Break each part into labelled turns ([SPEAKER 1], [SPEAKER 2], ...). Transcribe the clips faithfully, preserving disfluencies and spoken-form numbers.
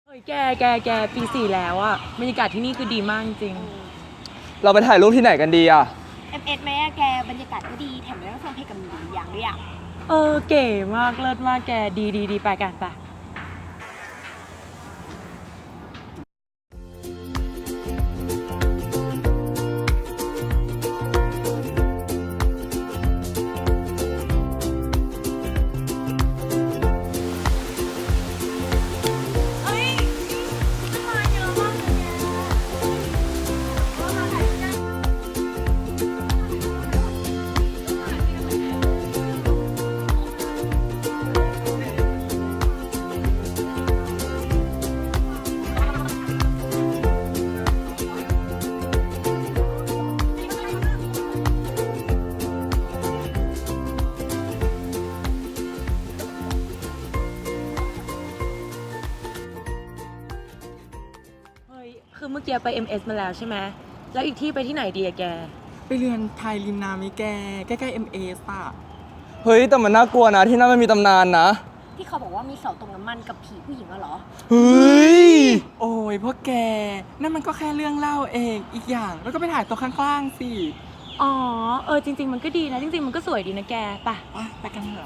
[SPEAKER 1] ฮ้ยแกแกแกปีสี่แล้วอะบรรยากาศที่นี่คือดีมากจริง
[SPEAKER 2] เราไปถ่ายรูปที่ไหนกันดีอ่ะ
[SPEAKER 3] เอฟเอสไหมอะแกบรรยากาศก็ดีแถมยังได้ฟังเพลงกับหนูอย่างด้วยอะ
[SPEAKER 1] เออเก๋มากเลิศมากแกดีดีดีไปกันไปเฮ้ยคือเมื่อกี้ไป เอ็ม เอส มาแล้วใช่ไหมแล้วอีกที่ไปที่ไหนดีอะแก
[SPEAKER 4] ไปเรือนไทยริมน้ำมิแกใกล้ๆ เอ็ม เอส อ่ะ
[SPEAKER 2] เฮ้ยแต่มันน่ากลัวนะที่นั่นมันมีตำนานนะ
[SPEAKER 3] ที่เขาบอกว่ามีเสาตรงน้ำมันกับผีผู้หญิงอะเหรอ
[SPEAKER 2] เฮ้ย
[SPEAKER 4] โอ้ยพวกแก นั่นมันก็แค่เรื่องเล่าเองอีกอย่างแล้วก็ไปถ่ายตัวข้างๆสิ
[SPEAKER 1] อ๋อเออจริง ๆ มันก็ดีนะจริงๆมันก็สวยดีนะแกไป
[SPEAKER 4] ไปไปกันเถอะ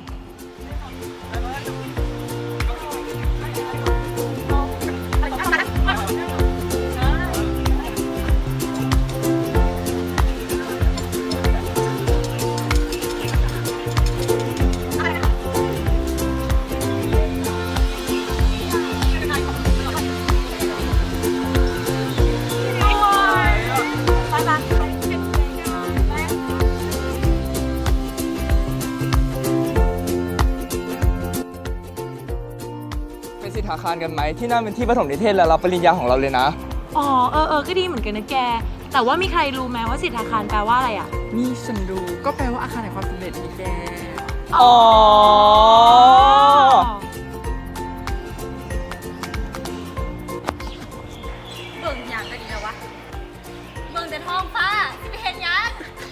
[SPEAKER 2] ไปสิทธาคารกันไหมที่นั่นเป็นที่ประถมนิเทศและรับปริญญาของเราเลยนะ
[SPEAKER 1] อ๋อเออเออก็ดีเหมือนกันนะแก แต่ว่ามีใครรู้ไหมว่าสิทธาคารแปลว่าอะไรอะ
[SPEAKER 4] นี่ฉันดูก็แปลว่าอาคารแห่งความสำเร็จมิแก
[SPEAKER 2] อ๋อ
[SPEAKER 3] เบิ่งอย่างก็ดีแล้ววะเบิ่งแต่ท้องฟ้าที่ไปเห็นยัง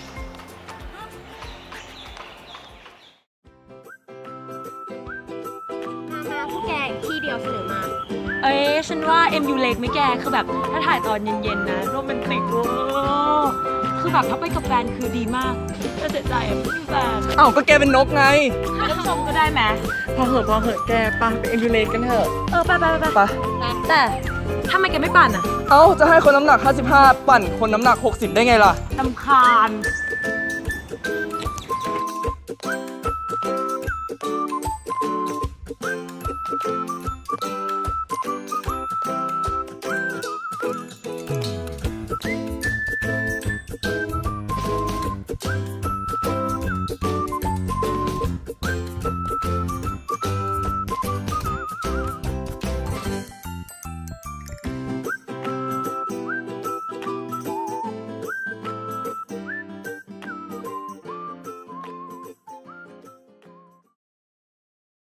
[SPEAKER 3] มาพวกแกอีกที่เดียวเสนอมา
[SPEAKER 1] เอ้ยฉันว่า เอ็ม ยู Lake ไหม่แกคือแบบถ้าถ่ายตอนเย็นๆนะโรแมนติกเวอร์คือแบบถ้าไปกับแฟนคือดีมากแต่เสียใจอะไม่มีแฟน
[SPEAKER 2] อ้าวก็แกเป็นนกไง
[SPEAKER 1] ก็ชมก็ได้ไหม
[SPEAKER 4] พอเหอะพอเหอะแกไปไปเอ็นดูเลกันเถอะ
[SPEAKER 1] เออไปไปไป
[SPEAKER 2] ไป
[SPEAKER 1] แต่ทำไมแกไม่ปั่นอะ
[SPEAKER 2] เอ้าจะให้คนน้ำหนักห้าสิบห้าปั่นคนน้ำหนักหกสิบได้ไงล่ะ
[SPEAKER 1] ลำคาญ